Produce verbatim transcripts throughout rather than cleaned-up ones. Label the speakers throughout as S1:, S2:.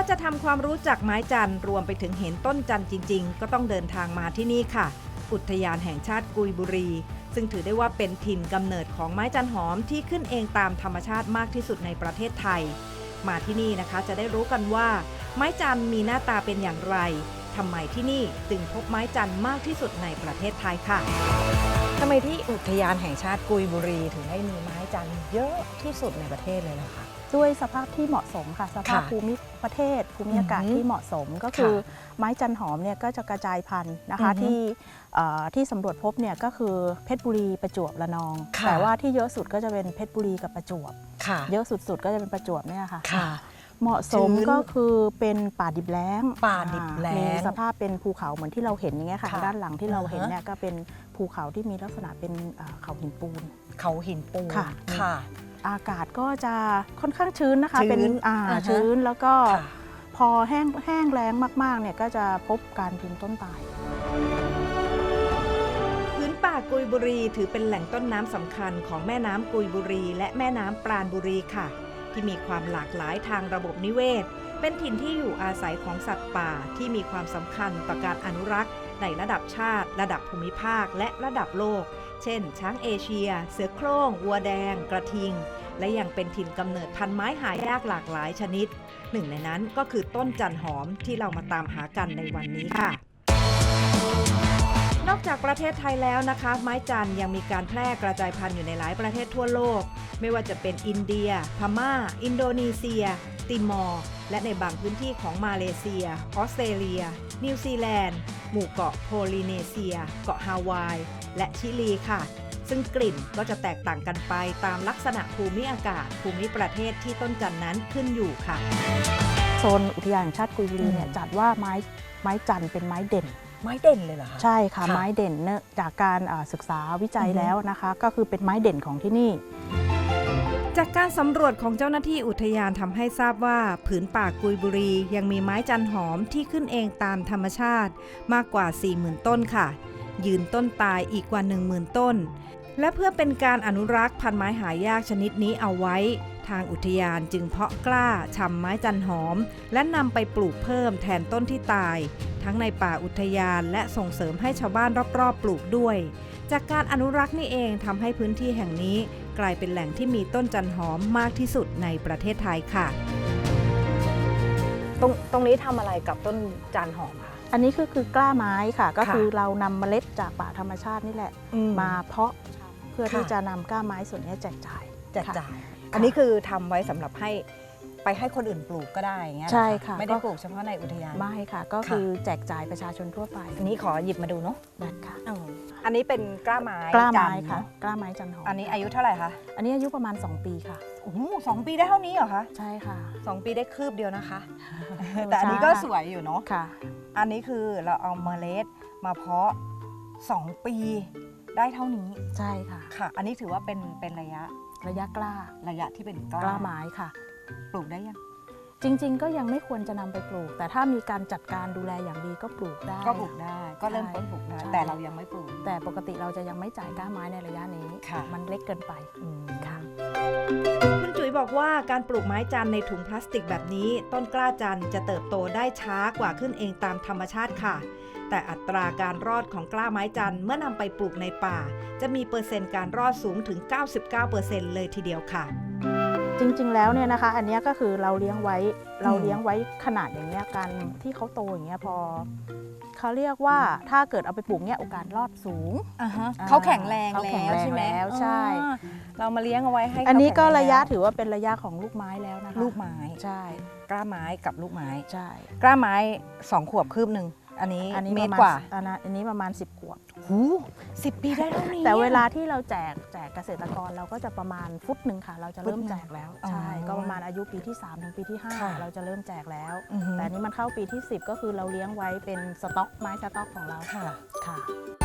S1: าจะทำความรู้จักไม้จันทร์รวมไปถึงเห็นต้นจันทร์จริงๆก็ต้องเดินทางมาที่นี่ค่ะอุทยานแห่งชาติกุยบุรีซึ่งถือได้ว่าเป็นถิ่นกำเนิดของไม้จันหอมที่ขึ้นเองตามธรรมชาติมากที่สุดในประเทศไทยมาที่นี่นะคะจะได้รู้กันว่าไม้จันทร์มีหน้าตาเป็นอย่างไรทำไมที่นี่จึงพบไม้จันทร์มากที่สุดในประเทศไทยค่ะทำไมที่อุทยานแห่งชาติกุยบุรีถึงได้มีไม้จันทร์เยอะที่สุดในประเทศเลยล่ะคะ
S2: ด้วยสภาพที่เหมาะสมค่ะสภาพภูมิประเทศภูมิอากาศที่เหมาะสมก็คือไม้จันหอมเนี่ยก็จะกระจายพันธุ์นะคะที่ที่สำรวจพบเนี่ยก็คือเพชรบุรีประจวบระนองแต่ว่าที่เยอะสุดก็จะเป็นเพชรบุรีกับประจวบเยอะสุดๆก็จะเป็นประจวบเนี่ยค่ะเหมาะสมก็คือเป็นป่าดิบแล้ง
S1: ป่าดิบแล้ง
S2: มีสภาพเป็นภูเขาเหมือนที่เราเห็นอย่างเงี้ยค่ะด้านหลังที่เราเห็นเนี่ยก็เป็นภูเขาที่มีลักษณะเป็นเขาหินปูน
S1: เขาหินปูน
S2: ค่ะอากาศก็จะค่อนข้างชื้นนะคะเป็นชื้นแล้วก็พอแห้งแห้งแล้งมากๆเนี่ยก็จะพบการยืนต้นตาย
S1: พื้นป่ากุยบุรีถือเป็นแหล่งต้นน้ำสำคัญของแม่น้ำกุยบุรีและแม่น้ำปราณบุรีค่ะที่มีความหลากหลายทางระบบนิเวศเป็นถิ่นที่อยู่อาศัยของสัตว์ป่าที่มีความสำคัญต่อการอนุรักษ์ในระดับชาติระดับภูมิภาคและระดับโลกเช่นช้างเอเชียเสือโคร่งวัวแดงกระทิงและยังเป็นถิ่นกำเนิดพันธุ์ไม้หายากหลากหลายชนิดหนึ่งในนั้นก็คือต้นจันหอมที่เรามาตามหากันในวันนี้ค่ะนอกจากประเทศไทยแล้วนะคะไม้จันยังมีการแพร่กระจายพันธุ์อยู่ในหลายประเทศทั่วโลกไม่ว่าจะเป็นอินเดียพม่าอินโดนีเซียติมอร์และในบางพื้นที่ของมาเลเซียออสเตรเลียนิวซีแลนด์หมู่เกาะโพลิเนเซียเกาะฮาวายและชิลีค่ะซึ่งกลิ่นก็จะแตกต่างกันไปตามลักษณะภูมิอากาศภูมิประเทศที่ต้นจันนั้นขึ้นอยู่ค่ะ
S2: โซนอุทยานแห่งชาติกุยบุรีเนี่ยจัดว่าไม้ไม้จันเป็นไม้เด่น
S1: ไม้เด่นเลยเหรอคะ
S2: ใช่ค่ะไม้เด่นเนื่องจากการศึกษาวิจัยแล้วนะคะก็คือเป็นไม้เด่นของที่นี่
S1: จากการสำรวจของเจ้าหน้าที่อุทยานทำให้ทราบว่าผืนป่ากุยบุรียังมีไม้จันหอมที่ขึ้นเองตามธรรมชาติมากกว่า สี่หมื่น ต้นค่ะยืนต้นตายอีกกว่า หนึ่งหมื่น ต้นและเพื่อเป็นการอนุรักษ์พันธุ์ไม้หายากชนิดนี้เอาไว้ทางอุทยานจึงเพาะกล้าชำไม้จันหอมและนำไปปลูกเพิ่มแทนต้นที่ตายทั้งในป่าอุทยานและส่งเสริมให้ชาวบ้านรอบๆปลูกด้วยจากการอนุรักษ์นี่เองทำให้พื้นที่แห่งนี้กลายเป็นแหล่งที่มีต้นจันหอมมากที่สุดในประเทศไทยค่ะตรงตรงนี้ทำอะไรกับต้นจันหอมคะ
S2: อันนี้คือคือกล้าไม้ค่ะก็คือเรานำเมล็ดจากป่าธรรมชาตินี่แหละมาเพาะเพื่อที่จะนำกล้าไม้ส่วนนี้แจกจ่าย
S1: แจกจ่ายอันนี้คือทำไว้สำหรับให้ไปให้คนอื่นปลูกก็ได้อย่างเงี้ย
S2: ใช่ค่ะ
S1: ไม่ได้ปลูกเฉพาะในอุทยาน
S2: ไม่ค่ะก็คือแจกจ่ายประชาชนทั่วไป
S1: อันนี้ขอหยิบมาดูเนาะ
S2: ได้ค่ะ
S1: อันนี้เป็นกล้าไม้
S2: กล้าไม้ค่ะกล้าไม้จันหอม
S1: อันนี้อายุเท่าไหร่คะ
S2: อันนี้อายุประมาณสองปีค่ะ
S1: โอ้โหสองปีได้เท่านี้เหรอคะ
S2: ใช่ค่ะ
S1: สองปีได้คืบเดียวนะคะแต่อันนี้ก็สวยอยู่เนาะ
S2: ค่ะ
S1: อันนี้คือเราเอาเมล็ดมาเพาะสองปีได้เท่านี้
S2: ใช่ค่ะ
S1: ค่ะอันนี้ถือว่าเป็นเป็นระยะ
S2: ระยะกล้า
S1: ระยะที่เป็นกล้าก
S2: ล้าไม้ค่ะ
S1: ปลูกได้ยัง
S2: จริงๆก็ยังไม่ควรจะนำไปปลูกแต่ถ้ามีการจัดการดูแลอย่างดีก็ปลูกได้
S1: ก็ปลูกได้ก็เริ่มต้นปลูกได้แต่เรายังไม่ปลูก
S2: แต่ปกติเราจะยังไม่จ่ายกล้าไม้ในระยะนี้มันเล็กเกินไปค่ะ
S1: คุณจุ๋ยบอกว่าการปลูกไม้จันในถุงพลาสติกแบบนี้ต้นกล้าจันจะเติบโตได้ช้ากว่าขึ้นเองตามธรรมชาติค่ะแต่อัตราการรอดของกล้าไม้จันเมื่อนำไปปลูกในป่าจะมีเปอร์เซ็นต์การรอดสูงถึง เก้าสิบเก้าเปอร์เซ็นต์ เลยทีเดียวค่ะ
S2: จริงๆแล้วเนี่ยนะคะอันนี้ก็คือเราเลี้ยงไว้เราเลี้ยงไว้ขนาดอย่างเงี้ยการที่เขาโตอย่างเงี้ยพอเขาเรียกว่าถ้าเกิดเอาไปปลูกเนี่ยโอกาสรอดสูง
S1: เขาแข็งแรงแล้วใช่ไหม
S2: ใช่
S1: เรามาเลี้ยงเอาไว้ให้
S2: อันนี้ก็ระยะถือว่าเป็นระยะของลูกไม้แล้วนะคะ
S1: ลูกไม้
S2: ใช่
S1: กล้าไม้กับลูกไม้
S2: ใช่
S1: กล้าไม้สองขวบคืบหนึ่งอันนี้เมตรกว่า
S2: อันนี้ประมาณสิบขวบ
S1: หูสิบปีได้เท่านี้
S2: แต่เวลาที่เราแจกแจกเกษตรกรเราก็จะประมาณฟุตหนึ่งค่ะเราจะเริ่มแจกแล้วใช่ก็ประมาณอายุปีที่สามถึงปีที่ห้าเราจะเริ่มแจกแล้วแต่นี้มันเข้าปีที่สิบก็คือเราเลี้ยงไว้เป็นสต็อกไม้สต็อกของเรา
S1: ค่ะ
S2: ค่ะ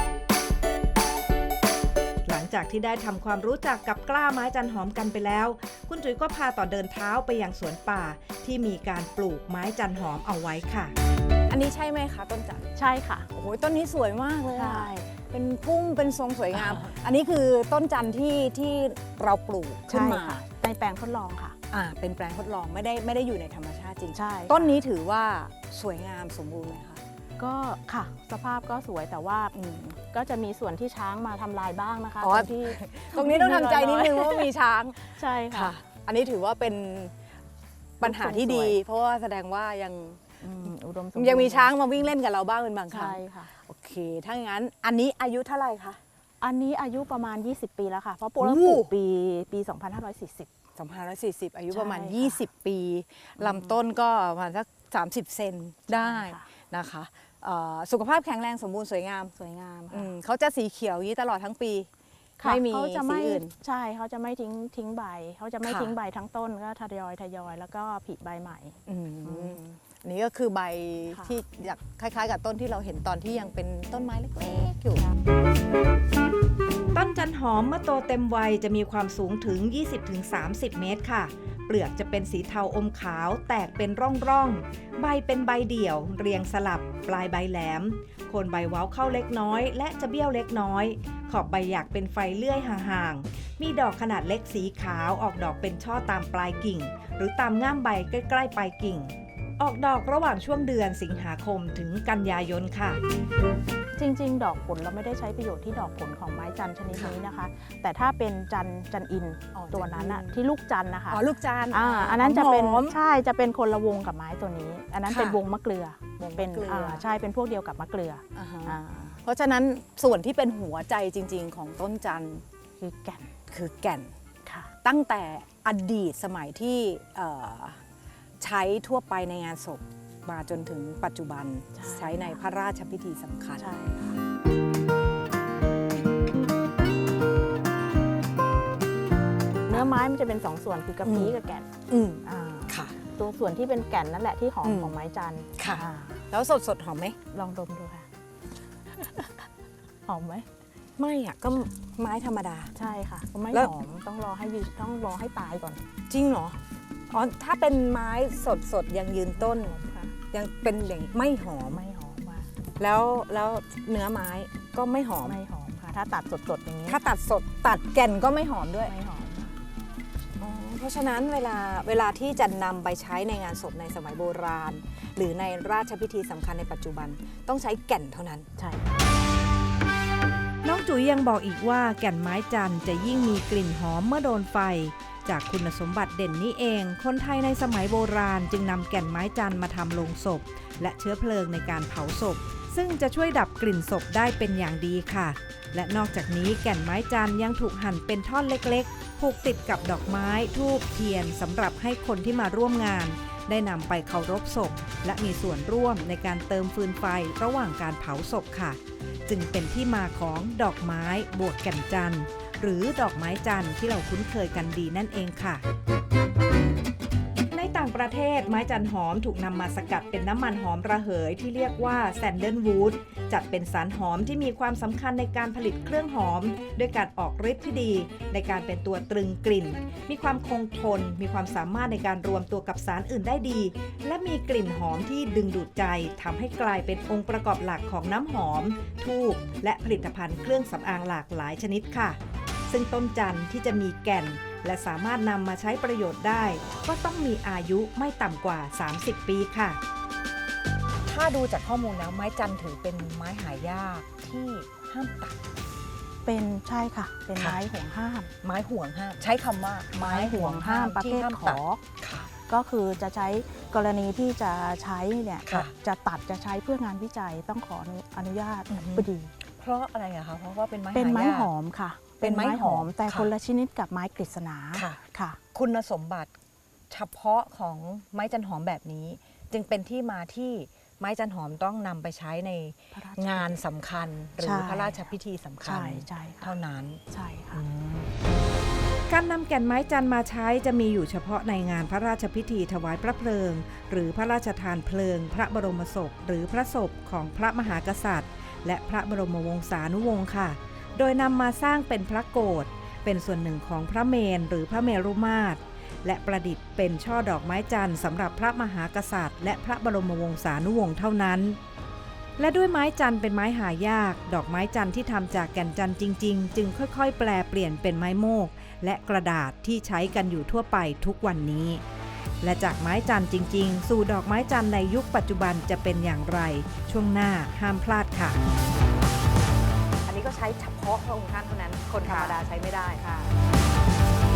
S1: หลังจากที่ได้ทำความรู้จักกับกล้าไม้จันหอมกันไปแล้วคุณจุ๋ยก็พาต่อเดินเท้าไปยังสวนป่าที่มีการปลูกไม้จันหอมเอาไว้ค่ะอันนี้ใช่ไหมคะต้นจัน
S2: ใช่ค่ะ
S1: โอ้โหต้นนี้สวยมากเลย
S2: ใช่
S1: เป็นพุ่งเป็นทรงสวยงามอันนี้คือต้นจันที่ที่เราปลูกขึ้นมา
S2: ในแปลงทดลองค่ะ
S1: อ่าเป็นแปลงทดลองไม่ได้ไม่ได้อยู่ในธรรมชาติจริง
S2: ใช่
S1: ต้นนี้ถือว่าสวยงามสมบูรณ์ไหมคะ
S2: ก็ค่ะสภาพก็สวยแต่ว่า
S1: อืม
S2: ก็จะมีส่วนที่ช้างมาทำลายบ้างนะคะ
S1: อ๋อ
S2: ตรงที่
S1: ตรงนี้ต้องทำใจนิดนึงว่ามีช้าง
S2: ใช่ค่ะ
S1: ค่ะ อันนี้ถือว่าเป็นปัญหาที่ดี
S2: สวย
S1: เพราะว่าแสดงว่ายัง
S2: อืมอุดมสมบูรณ์
S1: ยังมีช้างมาวิ่งเล่นกับเราบ้างเป็นบางครั้
S2: ใช่
S1: ง
S2: ค่ะ
S1: โอเค ถ้างั้นอันนี้อายุเท่าไหร่คะ
S2: อันนี้อายุประมาณ ยี่สิบ ปีแล้วค่ะ เพราะป
S1: โอ้
S2: ลูกปลูกปีปี สองพันห้าร้อยสี่สิบ
S1: สองพันห้าร้อยสี่สิบอายุประมาณ
S2: ใช่ค่ะ
S1: ยี่สิบ ปีลำต้นก็ประมาณสักสามสิบเซนได้
S2: ใช่ค่ะ
S1: นะคะเอ่อสุขภาพแข็งแรงสมบูรณ์สวยงาม
S2: สวยงาม
S1: อื
S2: ค่ะ
S1: มเขาจะสีเขียวอย่างนี้ตลอดทั้งปี
S2: ค่ะ
S1: ไม่มี
S2: เขาจะ
S1: สี
S2: ไม่
S1: อื่น
S2: ใช่เขาจะไม่ทิ้งทิ้งใบเขาจะไม่
S1: ค่ะ
S2: ทิ้งใบทั้งต้นก็ทยอยทยอยแล้วก็ผลิใบใหม่
S1: อืมอันนี้ก็คือใบ
S2: ค่ะ
S1: ที่อยากคล้ายๆ กับต้นที่เราเห็นตอนที่ยังเป็นต้นไม้เล็กๆอยู่ ต้นจันหอมเมื่อโตเต็มวัยจะมีความสูงถึง ยี่สิบถึงสามสิบ เมตรค่ะ เปลือกจะเป็นสีเทาอมขาวแตกเป็นร่องๆ ใบเป็นใบเดี่ยว เรียงสลับ ปลายใบแหลม โคนใบเว้าเข้าเล็กน้อย และจะเบี้ยวเล็กน้อย ขอบใบหยักเป็นไฟเลื่อยห่างๆ มีดอกขนาดเล็กสีขาวออกดอกเป็นช่อตามปลายกิ่ง หรือตามง่ามใบใกล้ๆปลายกิ่ง ออกดอกระหว่างช่วงเดือนสิงหาคมถึงกันยายนค่ะ
S2: จริงๆ ดอกผลเราไม่ได้ใช้ประโยชน์ที่ดอกผลของไม้จันทร์ชนิดนี้นะคะ แต่ถ้าเป็นจันจันอิน
S1: อ๋อ
S2: ตัวนั้นอะ
S1: จันอิน
S2: ที่ลูกจันทร์นะคะ
S1: อ๋อลูกจาน
S2: อ่าอันนั้นจะเป็น
S1: หอม
S2: ใช่จะเป็นคนละวงกับไม้ตัวนี้ อันนั้น
S1: ค่ะ
S2: เป็นวงมะเกลือ
S1: วงมะ
S2: เป็น
S1: เกลืออ่
S2: อ่าใช่เป็นพวกเดียวกับมะเกลือ
S1: อ่าฮะ
S2: อ่า
S1: เพราะฉะนั้นส่วนที่เป็นหัวใจจริง ๆ ของต้นจันทร์
S2: คือแก่น
S1: คือแก่น
S2: ค่ะ
S1: ตั้งแต่อดีตสมัยที่เอ่อใช้ทั่วไปในงานศพมาจนถึงปัจจุบัน
S2: ใช่
S1: ใช้ในพระราชพิธีสำคัญ
S2: ใช่ค่ะเนื้อไม้มันจะเป็นสองส่วนคือกระพี้
S1: อืม
S2: กับแก่น
S1: อืม
S2: อ่า
S1: ค่ะ
S2: ตัวส่วนที่เป็นแก่นนั่นแหละที่หอม
S1: อืม
S2: ของไม้จันทร์
S1: ค่ะ
S2: อ่า
S1: แล้วสดสดๆหอมไหม
S2: ลองดมดูค่ะ หอมไหม
S1: ไม่อ่ะก็ไม้ธรรมดา
S2: ใช่ค่ะก็ไม่
S1: แล้ว
S2: หอมต้องรอให้ยืนต้องรอให้ตายก่อน
S1: จริงเหรออ๋อถ้าเป็นไม้สดสดๆยังยืนต้น
S2: ค่ะ
S1: ยังเป็นอย่างไม่หอม
S2: ไม่หอมค่ะ
S1: แล้วแล้วเนื้อไม้ก็ไม่หอม
S2: ไม่หอมค่ะ ถ้าตัดสดๆอย่างนี้
S1: ถ้าตัดสดตัดแก่นก็ไม่หอมด้วย
S2: ไม่หอมค่ะ
S1: อ๋อเพราะฉะนั้นเวลาเวลาที่จะนำไปใช้ในงานศพในสมัยโบราณ หรือในราชพิธีสำคัญในปัจจุบันต้องใช้แก่นเท่านั้น
S2: ใช่
S1: น้องจุ๋ยยังบอกอีกว่าแก่นไม้จันทร์จะยิ่งมีกลิ่นหอมเมื่อโดนไฟ จากคุณสมบัติเด่นนี้เอง คนไทยในสมัยโบราณจึงนำแก่นไม้จันทร์มาทำโลงศพ และเชื้อเพลิงในการเผาศพ ซึ่งจะช่วยดับกลิ่นศพได้เป็นอย่างดีค่ะ และนอกจากนี้แก่นไม้จันทร์ยังถูกหั่นเป็นท่อนเล็กๆ ผูกติดกับดอกไม้ธูปเทียนสำหรับให้คนที่มาร่วมงาน ได้นำไปเคารพศพ และมีส่วนร่วมในการเติมฟืนไฟระหว่างการเผาศพค่ะ จึงเป็นที่มาของดอกไม้บวกแก่นจันทร์หรือดอกไม้จันทร์ที่เราคุ้นเคยกันดีนั่นเองค่ะ ในต่างประเทศไม้จันหอมถูกนำมาสกัดเป็นน้ำมันหอมระเหยที่เรียกว่าแซนเดิลวูดจัดเป็นสารหอมที่มีความสำคัญในการผลิตเครื่องหอม ด้วยการออกฤทธิ์ที่ดี ในการเป็นตัวตรึงกลิ่น มีความคงทน มีความสามารถในการรวมตัวกับสารอื่นได้ดี และมีกลิ่นหอมที่ดึงดูดใจทำให้กลายเป็นองค์ประกอบหลักของน้ำหอมธูปและผลิตภัณฑ์เครื่องสำอางหลากหลายชนิดค่ะ ซึ่งต้นจันทร์ที่จะมีแก่น และสามารถนำมาใช้ประโยชน์ได้ ก็ต้องมีอายุไม่ต่ำกว่า สามสิบ ปีค่ะ ถ้าดูจากข้อมูลแล้วไม้จันทร์ถือเป็นไม้หายากที่ห้ามตัด
S2: เป็นใช่ค่ะ เป็น
S1: ค่ะ
S2: ไม้ห่วงห้าม
S1: ไม้ห่วงห้ามใช้คำว่าไม้ห่วงห้าม
S2: ประ
S1: ที่
S2: เภท
S1: ห้าม
S2: ข
S1: ตัด
S2: อ
S1: ค่ะ
S2: ก็คือจะใช้กรณีที่จะใช้เนี่ย
S1: ค่ะ
S2: จะตัดจะใช้เพื่องานวิจัยต้องขออนุญาต
S1: อือฮึ
S2: พอดี
S1: เพราะอะไรอะคะเพราะว่าเป็นไม้
S2: เป็นไม้
S1: ายาก
S2: หอมค่ะ
S1: เป็นไม้หอม
S2: แต่
S1: ค่ะ
S2: คนละชนิดกับไม้กฤษณา
S1: ค่ะ
S2: ค่ะ
S1: คุณสมบัติเฉพาะของไม้จันหอมแบบนี้ จึงเป็นที่มาที่ไม้จันหอมต้องนำไปใช้ใน
S2: พระราช
S1: งานสำคัญหรื
S2: ใช่
S1: อพระราชพิธีสำคัญ
S2: ใช่ใช่ค่ะ
S1: เท่านั้น
S2: ใช่ค่ะ
S1: การนำแก่นไม้จันทร์มาใช้จะมีอยู่เฉพาะในงานพระราชพิธีถวายพระเพลิง หรือพระราชทานเพลิง พระบรมศพ หรือพระศพของพระมหากษัตริย์ และพระบรมวงศานุวงศ์ค่ะ โดยนำมาสร้างเป็นพระโกฐเป็นส่วนหนึ่งของพระเมรุหรือพระเมรุมาตรและประดิษฐ์เป็นช่อดอกไม้จันทร์สำหรับพระมหากษัตริย์ และพระบรมวงศานุวงศ์เท่านั้น และด้วยไม้จันทร์เป็นไม้หายาก ดอกไม้จันทร์ที่ทำจากแก่นจันทร์จริงๆ จึงค่อยๆ แปลเปลี่ยนเป็นไม้โมกและกระดาษที่ใช้กันอยู่ทั่วไปทุกวันนี้ และจากไม้จันทร์จริงๆสู่ดอกไม้จันทร์ในยุคปัจจุบันจะเป็นอย่างไรช่วงหน้าห้ามพลาดค่ะ
S3: อันนี้ก็ใช้เฉพาะพระองค์ท่านเท่านั้นคนธรรมดาใช้ไม่ได้
S1: ค่ะ